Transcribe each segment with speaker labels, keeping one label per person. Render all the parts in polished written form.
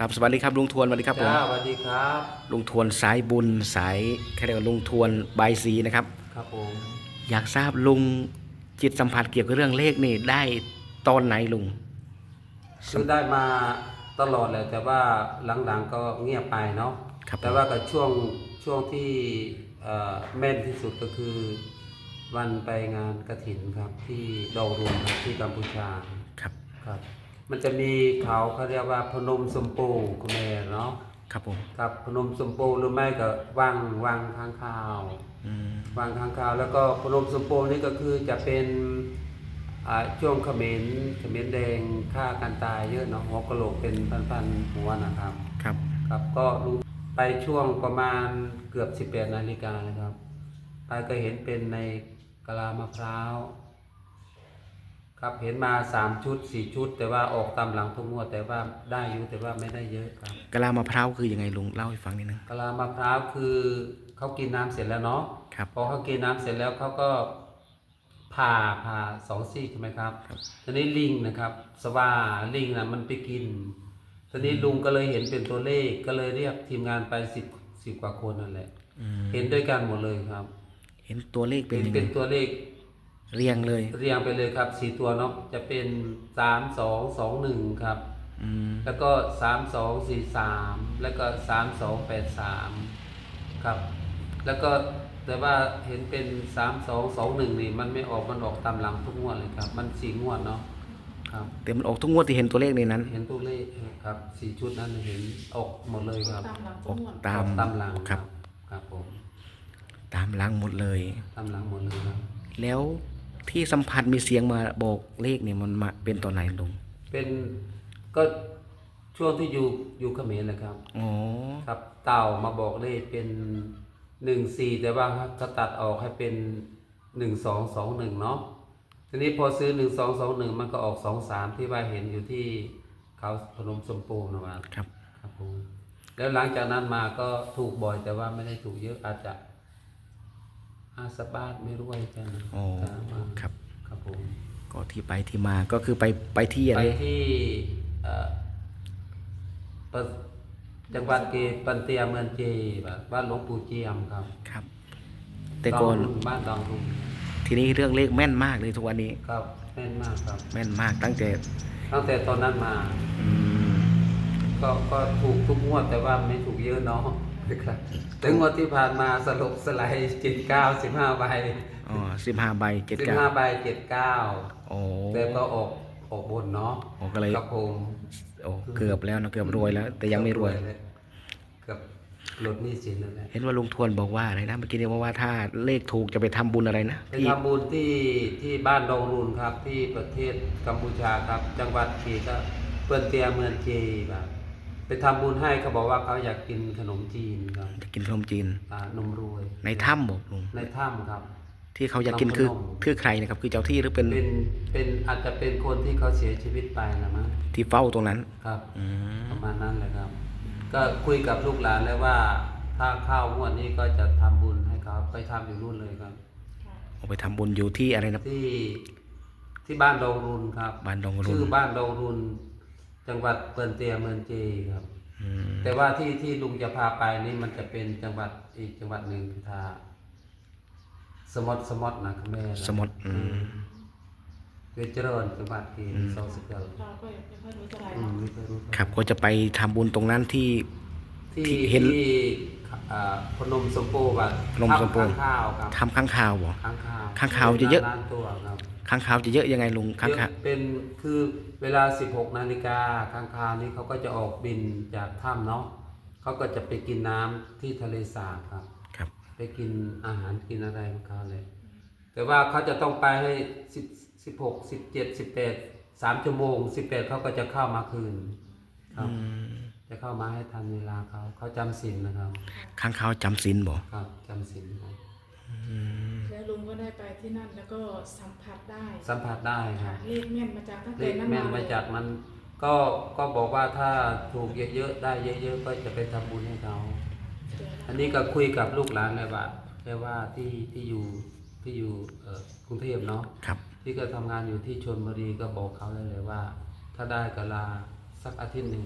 Speaker 1: ครับสวัสดีครับลุงทวนสวัสดีครับผม
Speaker 2: จ้าสวัสดีครับ
Speaker 1: ลุงทวนสายบุญสายเขาเรียกว่าลุงทวนบายสีนะครับ
Speaker 2: ครับผม
Speaker 1: อยากทราบลุงจิตสัมผัสเกี่ยวกับเรื่องเลขนี่ได้ตอนไหนลุง
Speaker 2: คือได้มาตลอดแหละแต่ว่าหลังๆก็เงียบไปเนาะ
Speaker 1: ครับผ
Speaker 2: แต่
Speaker 1: ม
Speaker 2: ว่ากับช่วงที่แม่นที่สุดก็คือวันไปงานกฐินครับที่ดอยรวงครับที่กัมพูชา
Speaker 1: ครับ
Speaker 2: ครับมันจะมีเขาเรียกว่าพนมสมโปคุณแม่เนาะ
Speaker 1: ครับผม
Speaker 2: ครับพนมสมโปหรือไม่ก็วังค้างคาว
Speaker 1: อืม
Speaker 2: วังค้างคาวแล้วก็พนมสมโปนี่ก็คือจะเป็นช่วงเขมรแดงฆ่ากันตายเยอะเนาะหัวกะโหลกเป็นพันๆหัวนะครับ
Speaker 1: ครับ
Speaker 2: ครับก็รู้ไปช่วงประมาณเกือบ18 นาฬิกานะครับไปก็เห็นเป็นในกะลามะพร้าวครับเห็นมา3 ชุด 4 ชุดแต่ว่าออกตามหลังทุกงวดแต่ว่าได้อยู่แต่ว่าไม่ได้เยอะครับ
Speaker 1: กะลามะพร้าวคือยังไงลุงเล่าให้ฟังนิดนึง
Speaker 2: กะลามะพร้าวคือเขากินน้ำเสร็จแล้วเนาะ
Speaker 1: ครับ
Speaker 2: พอเขากินน้ำเสร็จแล้วเขาก็ผ่า2 ซี่ใช่ไหมครับ
Speaker 1: ครับ
Speaker 2: ทีนี้ลิงนะครับสว่าลิงนะมันไปกินทีนี้ลุงก็เลยเห็นเป็นตัวเลขก็เลยเรียกทีมงานไปสิบกว่าคนนั่นแหละ
Speaker 1: อืม
Speaker 2: เห็นด้วยกันหมดเลยครับ
Speaker 1: เห็นตัวเลขเป็น
Speaker 2: เห็น
Speaker 1: ยังไง
Speaker 2: เป็นตัวเลข
Speaker 1: เรียงเลย
Speaker 2: เรียงไปเลยครับ4 ตัวเนาะจะเป็น3221ครับ
Speaker 1: อืม
Speaker 2: แล้วก็3243แล้วก็3283ครับแล้วก็แต่ว่าเห็นเป็น3221นี่มันไม่ออกมันออกตามหลังทุกงวดเลยครับมัน4 งวดเนาะครับ
Speaker 1: แต่มันออกทุกงวดที่เห็นตัวเลขในนั้น
Speaker 2: เห็นตัวเลขครับ4 ชุดนั้นเห็นออกหมดเลยครับ
Speaker 3: ตามหลัง
Speaker 1: ออก
Speaker 3: ทุกงวด
Speaker 1: ตาม
Speaker 2: ออกตามหลัง
Speaker 1: ครับ
Speaker 2: ครับผม
Speaker 1: ตามหลังหมดเลย
Speaker 2: ตามหลังหมดเลยครับ
Speaker 1: แล้วที่สัมผัสมีเสียงมาบอกเลขเนี่ยมันมาเป็นตอนไหนลุง
Speaker 2: เป็นก็ช่วงที่อยู่เขมรนะครับ
Speaker 1: อ๋อ
Speaker 2: ครับเต่ามาบอกเลขเป็น14แต่ว่าเขาตัดออกให้เป็น1221เนาะทีนี้พอซื้อ1221มันก็ออก23ที่ว่าเห็นอยู่ที่เขาพนมสมโภชนะครับ
Speaker 1: ครับ
Speaker 2: ครับผมแล้วหลังจากนั้นมาก็ถูกบ่อยแต่ว่าไม่ได้ถูกเยอะอาจจะ50 บาทไม่รู้ว่าจะนะ
Speaker 1: อ๋อ
Speaker 2: มา
Speaker 1: ครับ
Speaker 2: ครับผม
Speaker 1: ก็ที่ไปที่มาก็คือไปที่อะ
Speaker 2: ไป
Speaker 1: ไร
Speaker 2: ที่เอ่อปะจังหวัดเกปันเตียเมืองเจแบบบ้านหลวงปู่เจียมครับ
Speaker 1: ครับแต่ก่อน
Speaker 2: บ้านดองรุง
Speaker 1: ทีนี้เรื่องเลขแม่นมากเลยทุกวันนี้
Speaker 2: ครับแม่นมากครับ
Speaker 1: แม่นมากตั้งแต่
Speaker 2: ตั้งแต่ตอนนั้นมา
Speaker 1: อืม
Speaker 2: ก็ถูกทุกงวดแต่ว่าไม่ถูกเยอะเนาะครับแต่งวดที่ผ่านมาสลบสไลด์79 15 ใบ
Speaker 1: อ๋อ15 ใบ
Speaker 2: 15 ใบ79
Speaker 1: โอ้
Speaker 2: แต่ก็ออกบนเนาะ
Speaker 1: โอ้ก็เลย
Speaker 2: ครับผม
Speaker 1: โอ้เกือบแล้วนะเกือบรวยแล้ว แต่ยังไม่รวย
Speaker 2: เกือบลดหนี้สินแล้วแหละ
Speaker 1: เห็นว่าลุงทวนบอกว่าอะไรนะเมื่อกี้เนี่ยว่าถ้าเลขถูกจะไปทำบุญอะไรนะ
Speaker 2: ไปทำบุญที่บ้านดงรุนครับที่ประเทศกัมพูชาครับ จังหวัดกีก็เปิ้นเตียเมืองเจแบบไปทำบุญให้เขาบอกว่าเขาอยากกินขนมจีนครับ
Speaker 1: จะกินขนมจีน
Speaker 2: นมรวย
Speaker 1: ในถ้ำบอกลุง
Speaker 2: ในถ้ำครับ
Speaker 1: ที่เขาอยากกินคือใครนะครับคือเจ้าที่หรือ
Speaker 2: เป็นอาจจะเป็นคนที่เขาเสียชีวิตไปนะมั้ง
Speaker 1: ที่เฝ้าตรงนั้น
Speaker 2: ครับ
Speaker 1: อืม
Speaker 2: ประมาณนั้นเลยครับ ก็คุยกับลูกหลานแล้วว่า ถ้าเข้างวดนี้ก็จะทำบุญให้เขาไปทำอยู่นู่นเลยครับ
Speaker 1: เอาไปทำบุญอยู่ที่อะไรนะ
Speaker 2: ที่บ้านดงรุนครับ
Speaker 1: บ้านดงรุน
Speaker 2: ชื่อบ้านดงรุนจังหวัดเปิ่นเตียเมืองเจครับแต่ว่าที่ลุงจะพาไปนี่มันจะเป็นจังหวัดอีกจังหวัดหนึ่งทาสมดนะคุณแม่
Speaker 1: สมด
Speaker 2: เวชเจริญจังหวัดที่เซาสเกิล
Speaker 3: เราก็ยังไม่ค่อยรู้เท่าไหร่
Speaker 2: ไม่เคยรู้
Speaker 1: ครับก็จะไปทำบุญตรงนั้นที่เห็น
Speaker 2: พนมสมโภชแบบ
Speaker 1: พนมสมโภช
Speaker 2: ข้างข้าวครับ
Speaker 1: ทำข้างข่าวบ่
Speaker 2: ข้างข้าว
Speaker 1: ข้างข่าวจะเยอะ
Speaker 2: ล้านตัวครับ
Speaker 1: ข้างข่าวจะเยอะยังไงลุงข้างข่าว
Speaker 2: เป็นคือเวลา16 นาฬิกาข้างคาวนี้เขาก็จะออกบินจากถ้ำเนาะเขาก็จะไปกินน้ำที่ทะเลสาบครับ
Speaker 1: ครับ
Speaker 2: ไปกินอาหารกินอะไรของเขาเลยแต่ว่าเขาจะต้องไปให้16 17 18 3 ชั่วโมง18เขาก็จะเข้ามาคืนครับจะเข้ามาให้ทันเวลาเขาจำศีลนะครับ
Speaker 1: ข้างข่าวจำศีลบ่
Speaker 2: ครับจำศีลครับ
Speaker 3: แล้วลุงก็ได้ไปที่นั่นแล้วก็สัมผัสได้
Speaker 2: ครับ
Speaker 3: เลขแม่นมาจากตั้ง
Speaker 2: เล
Speaker 3: แต่
Speaker 2: ข
Speaker 3: นั้น
Speaker 2: แม่นมาจากมันก็บอกว่าถ้าถูกเยอะๆได้เยอะๆก็จะไปทำบุญให้เขาอันนี้ก็คุยกับลูกหลานเลยว่าแค่ว่าที่อยู่กรุงเทพเนาะ
Speaker 1: ครับ
Speaker 2: ที่ก็ทำงานอยู่ที่ชลบุรีก็บอกเขาเลยว่า ถ้าได้ก็ลาสักอาทิตย์หนึ่ง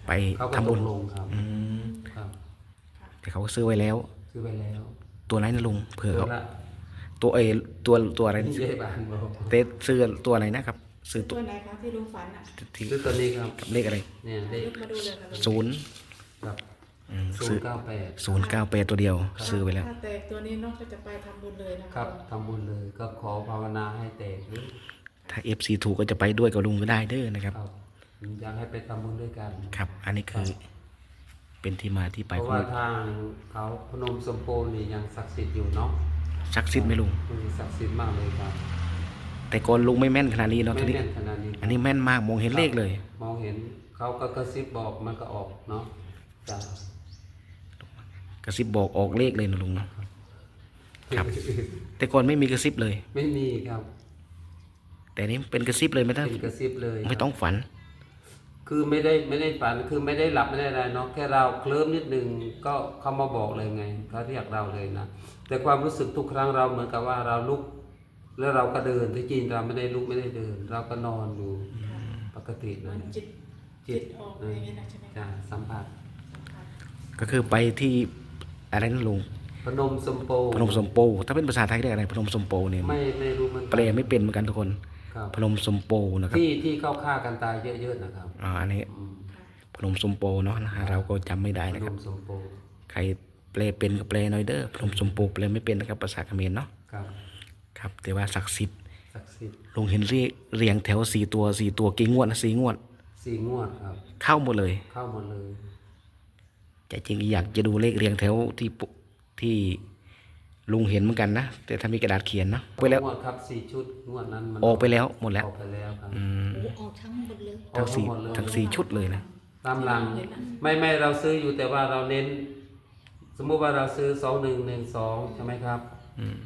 Speaker 1: ไป
Speaker 2: เขาก็
Speaker 1: ทำ
Speaker 2: ต
Speaker 1: บุ
Speaker 2: ก
Speaker 1: ญ
Speaker 2: ลงครับ
Speaker 1: อืม
Speaker 2: ครับ
Speaker 1: แต่เขาก็ซื้อไว้แล้ว
Speaker 2: ซื้อไปแล้ว
Speaker 1: ตัวไหนนะลุงเผื่อ
Speaker 2: ตัว
Speaker 1: เขา
Speaker 2: ละ
Speaker 1: ตัวอะไร
Speaker 2: ที่เย่บานบอก
Speaker 1: เตซื้อตัวอะไรนะครับซื้อตั
Speaker 3: ตัว วไหนคะที่ลุงฝันอ่ะ
Speaker 1: ที่
Speaker 2: ซื้อตัวนี้ครับ
Speaker 1: กับเลขอะไร
Speaker 2: เนี่ยเลข
Speaker 3: ยกมาดูเลยค่ะลุง
Speaker 1: ศูนย์
Speaker 2: ครับ
Speaker 1: ซื้อ
Speaker 2: 098
Speaker 1: 098ตัวเดียว ซื้อไปแล้ว
Speaker 3: ถ้าแตกตัวนี้เน้องก็จะไปทำบุญเลยนะครับ
Speaker 2: ทำบุญเลยก็ขอภาวนาให้แตกหรือ
Speaker 1: ถ้า FC ถูกก็จะไปด้วยกับลุงก็ได้เด้อนะครับ
Speaker 2: ครับอยากให้ไปทำบุญด้วยกัน
Speaker 1: ครับ อันนี้คือเป็นที่มาที่ไป
Speaker 2: เพราะ
Speaker 1: ของ
Speaker 2: ว่าทางเขาพนมสมโภชนี่ยังศักดิ์สิทธิ์อยู่เนาะ
Speaker 1: ศักดิ์สิทธิ์ไหมลุง
Speaker 2: ศักดิ์สิทธิ์มากเลยครับ
Speaker 1: แต่ก่อนลุงไม่แม่นขนาดนี้เนาะ
Speaker 2: ไม่
Speaker 1: ทีนี้
Speaker 2: แน่นขนาดนี้
Speaker 1: อันนี้แม่นมากมองเห็นเลขเลย
Speaker 2: มองเห็นเขาก็กระซิบบอกมันก็ออกเนาะจ้ะ
Speaker 1: กระซิบบอกออกเลขเลยนะลุงเนาะครับ แต่ก่อนไม่มีกระซิบเลย
Speaker 2: ไม่มีครับ
Speaker 1: แต่นี้เป็นกระซิบเลยไม่ต้อง
Speaker 2: เป็นกระซิบเลย
Speaker 1: ไม่ต้องฝัน
Speaker 2: คือไม่ได้ฝันคือไม่ได้หลับไม่ได้อะไรเนาะแค่เราเคลิ้มนิดนึงก็เขามาบอกเลยไงเขาเรียกเราเลยนะแต่ความรู้สึกทุกครั้งเราเหมือนกับว่าเราลุก แล้วเราก็เดินที่จริงเราไม่ได้ลุกไม่ได้เดิน เราก็นอนอยู่ปกติ
Speaker 3: มั
Speaker 2: นะ
Speaker 3: นจิตออกอะไรอย่างเงี้ยนะใช่ไหม
Speaker 2: จ้ะสัมผัส
Speaker 1: ก็คือไปที่อะไรนั่นลุง
Speaker 2: พนมสมโภ
Speaker 1: พนมสมโปถ้าเป็นภาษาไทยเรียกอะไรพนมสมโปเนี่ย
Speaker 2: ไม่รู้มัน
Speaker 1: แปลไม่เป็นเหมือนกันทุกคน
Speaker 2: ครับ
Speaker 1: พนมสมโปนะครับ
Speaker 2: ที่เข้าฆ่ากันตายเยอะๆนะครับ
Speaker 1: อันนี้
Speaker 2: อืม
Speaker 1: พนมสมโปเนาะนะฮะเราก็จำไม่ได้
Speaker 2: พ
Speaker 1: นะ
Speaker 2: น
Speaker 1: ครับ
Speaker 2: มสมโภ
Speaker 1: ใครแปลเป็นก็แปลหน่อยเด้อพนมสมโปแปลไม่เป็นนะครับภาษาเขมรเนาะ
Speaker 2: ครับ
Speaker 1: ครับแต่ว่าศักดิ์สิทธิ์
Speaker 2: ศักดิ์สิทธิ์
Speaker 1: ลุงเห็นเรียงแถว4 ตัวกี่งวดนะ4 งวด
Speaker 2: 4 งวดครับ
Speaker 1: เข้าหมดเลย
Speaker 2: เข้าหมดเลย
Speaker 1: แต่จริงอยากจะดูเลขเรียงแถวที่ลุงเห็นเหมือนกันนะแต่ถ้ามีกระดาษเขียนเนาะไปแล้ว
Speaker 2: งวดครับ4 ชุดงวดนั้นมัน
Speaker 1: ออกไปแล้วหมดแล้ว
Speaker 2: ออกไปแล้วครับ
Speaker 1: อืม
Speaker 4: โอ้ออกทั้งหมดเลย
Speaker 1: ทั้ง
Speaker 2: ออก
Speaker 1: สี่
Speaker 2: หมดเลย
Speaker 1: ทั้งสี่ชุดเลยนะ
Speaker 2: ตามหลังไม่เราซื้ออยู่แต่ว่าเราเน้น สมมุติว่าเราซื้อ2112ใช่ไหมครับ
Speaker 1: อืม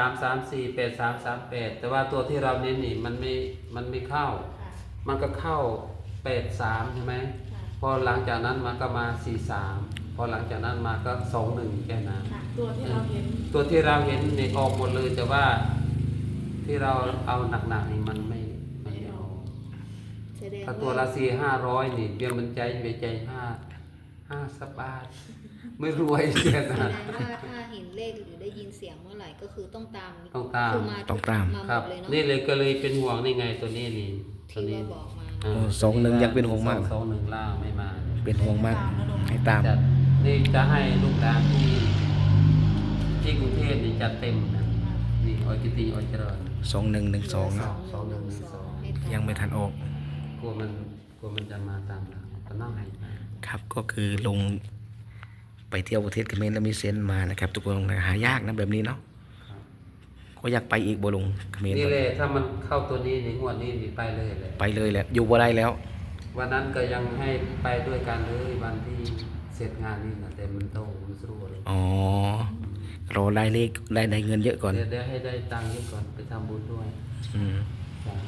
Speaker 2: 4334 8338แต่ว่าตัวที่เราเน้นนี่มันไม่เข้า
Speaker 3: ค่ะ
Speaker 2: มันก็เข้า83ใช่ไหม
Speaker 3: ค่ะ
Speaker 2: พอหลังจากนั้นมันก็มา43พอหลังจากนั้นมาก็21แค่นั้น
Speaker 3: ค่ะตัวที่เราเห็น
Speaker 2: ตัวที่เราเห็นเนี่ยออกหมดเลยแต่ว่าที่เราเอาหนักๆนี่มันไม่ออก
Speaker 4: แสดง
Speaker 2: ถ้าตัวละ400-500นี่เบี้ยมันใจไปใจห้าสับบาทไม่รวยแค่
Speaker 4: แส
Speaker 2: นั้น
Speaker 4: ดงว่าถ้าเห็นเลขหรือได้ยินเสียงเมื่อไหร่ก็คือต้องตาม
Speaker 2: ต้องตาม
Speaker 4: คือมา
Speaker 1: ต้องตาม
Speaker 4: มาห
Speaker 2: ค
Speaker 4: ม
Speaker 2: รับ
Speaker 4: ดเลยเนาะ
Speaker 2: นี่เลยก็เลยเป็นห่วงนี่ไงตัวนี้นี่ตัว
Speaker 4: ที่
Speaker 2: นี้
Speaker 4: ว่าบอกมา
Speaker 2: า
Speaker 1: โอ้21ยังเป็นห่วงมากนะ
Speaker 2: 21ล่างไม่มา
Speaker 1: เป็นห่วงมากให้ตาม
Speaker 2: จัดนี่จะให้ลูกหลานที่กรุงเทพนี่จัดเต็มนะนี่ออยกิติออยเจริญ
Speaker 1: 2112เนาะ
Speaker 4: ให้ตา
Speaker 1: ยังไม่ทันออก
Speaker 2: กลัวมันจะมาตามหลังก็นั่งให้ไป
Speaker 1: ครับก็คือลงไปเที่ยวประเทศเขมรแล้วมีเซนส์มานะครับ ทุกคนหายากนะแบบนี้เนาะ
Speaker 2: ครับ
Speaker 1: ก็อยากไปอีกบ่ลงเขมร
Speaker 2: นี่เลยถ้ามันเข้าตัวนี้ในงวดนี้นี่ไปเลยเลย
Speaker 1: ไปเลยแหละอยู่บ่ได้แล้ว
Speaker 2: วันนั้นก็ยังให้ไปด้วยกันเลยวันที่เสร็จงานนี่นะแต่มันโตมันสู้เลย
Speaker 1: อ๋อรอได้เลขได้เงินเยอะก่อน
Speaker 2: เดี๋ยวให้ได้ตังค์เยอะก่อนไปทำบุญด้วย
Speaker 1: อืม
Speaker 2: จ้ะ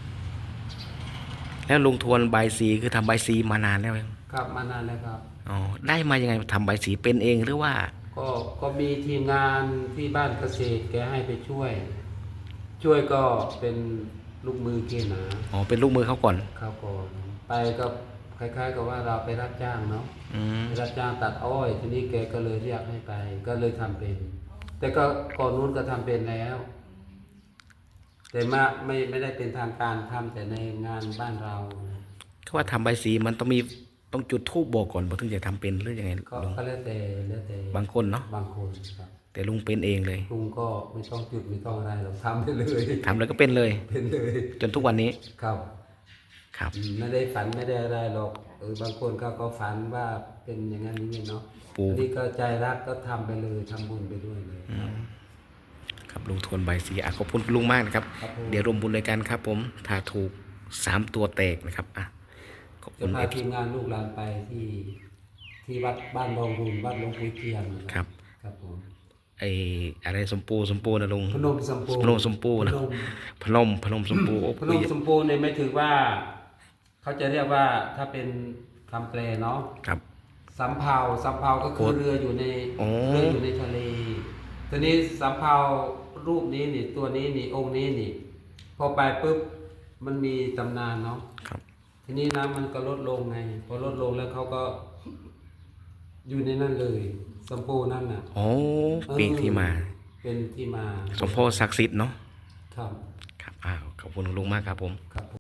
Speaker 1: แล้วลุงทวนใบายสีคือทำใบายสีมานานแล้วยัง
Speaker 2: ครับมานานแล้วครับ
Speaker 1: อ๋อได้มายังไงทำใบายสีเป็นเองหรือว่า
Speaker 2: ก็มีทีมงานที่บ้านเกษตรแกให้ไปช่วย ช่วยก็เป็นลูกมือเกณฑ์หนา
Speaker 1: อ๋อเป็นลูกมือเขาก่อน
Speaker 2: ครับก่อนไปก็คล้ายๆกับว่าเราไปรับจ้างเนาะ
Speaker 1: อืม
Speaker 2: ไปรับจ้างตัดอ้อยทีนี้แกก็เลยเรียกให้ไป ก็เลยทำเป็น แต่ก็ก่อนนู้นก็ทำเป็นแล้ว แต่มาไม่ได้เป็นทางการทำแต่ในงานบ้านเรา
Speaker 1: เขาว่าทำใบายสีมันต้องจุดธูปบอกก่อนบอกถึงจะทำเป็นหรือยังไง
Speaker 2: ก็
Speaker 1: ลุง
Speaker 2: ก็แล้วแต่
Speaker 1: บางคนเนาะ
Speaker 2: บางคนครับ
Speaker 1: แต่ลุงเป็นเองเลย
Speaker 2: ลุงก็ไม่ต้องจุดไม่ต้องอะไรหรอกทำไปเลย
Speaker 1: ทำแล้วก็เป็นเลย
Speaker 2: เป็นเลย
Speaker 1: จนทุกวันนี้
Speaker 2: ครับ
Speaker 1: ครับ
Speaker 2: ไม่ได้ฝันไม่ได้อะไรหรอกบางคนก็ฝันว่าเป็นอย่างนั้นอย่างนี้เนาะ
Speaker 1: ปู่
Speaker 2: อันนี้ก็ใจรักก็ทำไปเลยทำบุญไปด้วยเลย
Speaker 1: ครับลุงทวนใบายสีขอบคุณคุณลุงมากนะครับ
Speaker 2: ครับผม
Speaker 1: เดี๋ยวรวมบุญด้วยกันครับ ผมถ้าถูก3 ตัวแตกนะครับขอบคุ
Speaker 2: จะ
Speaker 1: ณ
Speaker 2: พา
Speaker 1: เอฟ
Speaker 2: ทีมงานลูกหลานไปที่วัดบ้านรองบุญวัดหลวงปู่เทียนนะครับ ครับผม
Speaker 1: ไออะไรสมปูนะลุง
Speaker 2: พนมสมโภช
Speaker 1: พนมสมปูนะ พนมสมปูโอ้
Speaker 2: พนมสมโภชเนี่ยไม่ถือว่า เขาจะเรียกว่าถ้าเป็นคำแปลเนาะ
Speaker 1: ครับ
Speaker 2: สำเภาก็คือเรืออยู่ใน
Speaker 1: อ๋อ
Speaker 2: เรืออยู่ในทะเลทีนี้สำเภารูปนี้นี่ตัวนี้นี่องค์นี้นี่ พอไปปุ๊บมันมีตำนานเนาะ
Speaker 1: ครับ
Speaker 2: ทีนี้น้ำมันก็ลดลงไง พอลดลงแล้วเขาก็ อยู่ในนั่นเลยสมโภนั่นน่ะ
Speaker 1: โอ้เป็นที่มา
Speaker 2: เป็นที่มา
Speaker 1: สมโพธิศักดิ์สิทธิ์เนาะ
Speaker 2: ครับ
Speaker 1: ครับอ้าวขอบคุณลุงมากครับผม
Speaker 2: ครับ